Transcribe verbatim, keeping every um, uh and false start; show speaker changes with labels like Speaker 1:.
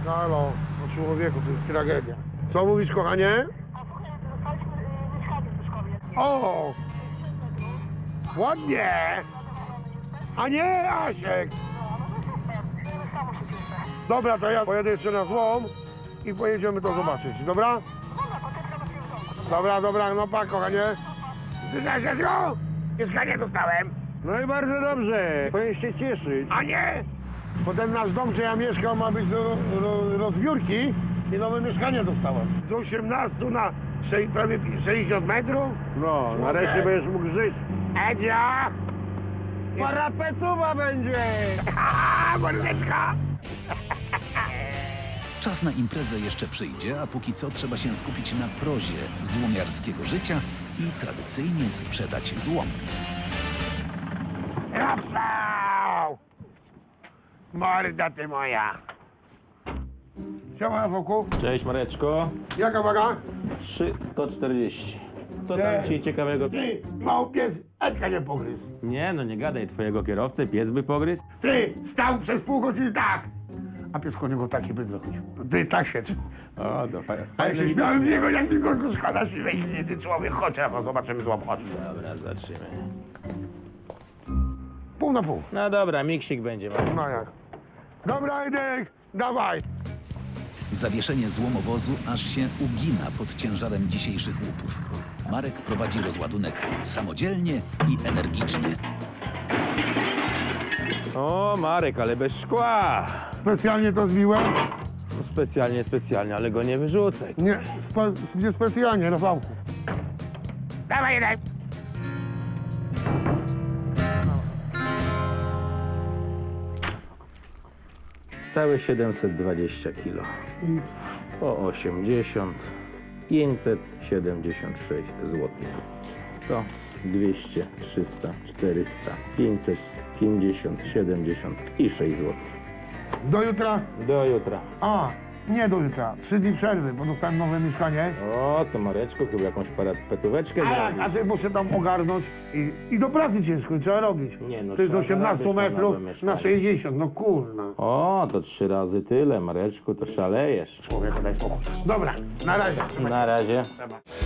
Speaker 1: Halo, no człowieku, to jest tragedia. Co mówisz, kochanie? O! Ładnie! A nie, Asiek! Dobra, to ja pojedę jeszcze na złom i pojedziemy to zobaczyć, dobra? Dobra, dobra, no pa, kochanie. Zgadza mieszkanie dostałem.
Speaker 2: No i bardzo dobrze, powinien się cieszyć.
Speaker 1: A nie! Bo ten nasz dom, gdzie ja mieszkam, ma być do ro, rozbiórki i nowe mieszkanie dostałem. Z osiemnastu na sze, prawie sześćdziesiąt metrów.
Speaker 2: No, nareszcie będziesz mógł żyć.
Speaker 1: Edzia!
Speaker 2: Parapetuwa będzie!
Speaker 1: Haha, mordeczka!
Speaker 3: Czas na imprezę jeszcze przyjdzie, a póki co trzeba się skupić na prozie złomiarskiego życia i tradycyjnie sprzedać złom.
Speaker 1: Rapsał! Morda ty moja! Siema, Foku.
Speaker 4: Cześć Mareczko,
Speaker 1: Jaka waga?
Speaker 4: trzy sto czterdzieści. Co
Speaker 1: Nie.
Speaker 4: tam ci ciekawego?
Speaker 1: Ty, mały pies, Edka nie pogryzł.
Speaker 4: Nie no, nie gadaj, twojego kierowcę pies by pogryzł?
Speaker 1: Ty, stał przez pół godziny tak! A pies koło niego taki bydło chodził. Ty tak się.
Speaker 4: O, to fajnie.
Speaker 1: A ja się śmiałem z niego, jak mi go szkoda siwej linie, ty człowiek, chodź, no zobaczymy złap, chodź.
Speaker 4: Dobra, zaczniemy.
Speaker 1: Pół na pół.
Speaker 4: No dobra, miksik będzie. Marek.
Speaker 1: No jak? Dobra, Edek, dawaj.
Speaker 3: Zawieszenie złomowozu aż się ugina pod ciężarem dzisiejszych łupów. Marek prowadzi rozładunek samodzielnie i energicznie.
Speaker 4: O, Marek, ale bez szkła.
Speaker 1: Specjalnie to zbiłem?
Speaker 4: No, specjalnie, specjalnie, ale go nie wyrzucaj.
Speaker 1: Nie, spe, nie specjalnie, Rafałku. Dawaj, Edek.
Speaker 4: Całe siedemset dwadzieścia kilo. Po osiemdziesiąt, pięćset siedemdziesiąt sześć złotych. sto, dwieście, trzysta, czterysta, pięćset pięćdziesiąt, siedemdziesiąt i sześć złotych.
Speaker 1: Do jutra?
Speaker 4: Do jutra.
Speaker 1: A, nie do jutra. Trzy dni przerwy, bo dostałem nowe mieszkanie.
Speaker 4: O, to Mareczku, chyba jakąś parapetóweczkę
Speaker 1: A jak, a
Speaker 4: zrobisz.
Speaker 1: ty muszę tam ogarnąć i, i do pracy ciężko, i trzeba robić.
Speaker 4: Nie, no,
Speaker 1: to jest
Speaker 4: trzeba
Speaker 1: osiemnaście
Speaker 4: zarabiać na
Speaker 1: metrów
Speaker 4: nowe mieszkanie.
Speaker 1: na sześćdziesiąt, no kurna.
Speaker 4: O, to trzy razy tyle, Mareczku, to szalejesz.
Speaker 1: Człowieku, daj spokój. Dobra, na razie.
Speaker 4: Na razie.
Speaker 1: Dobra.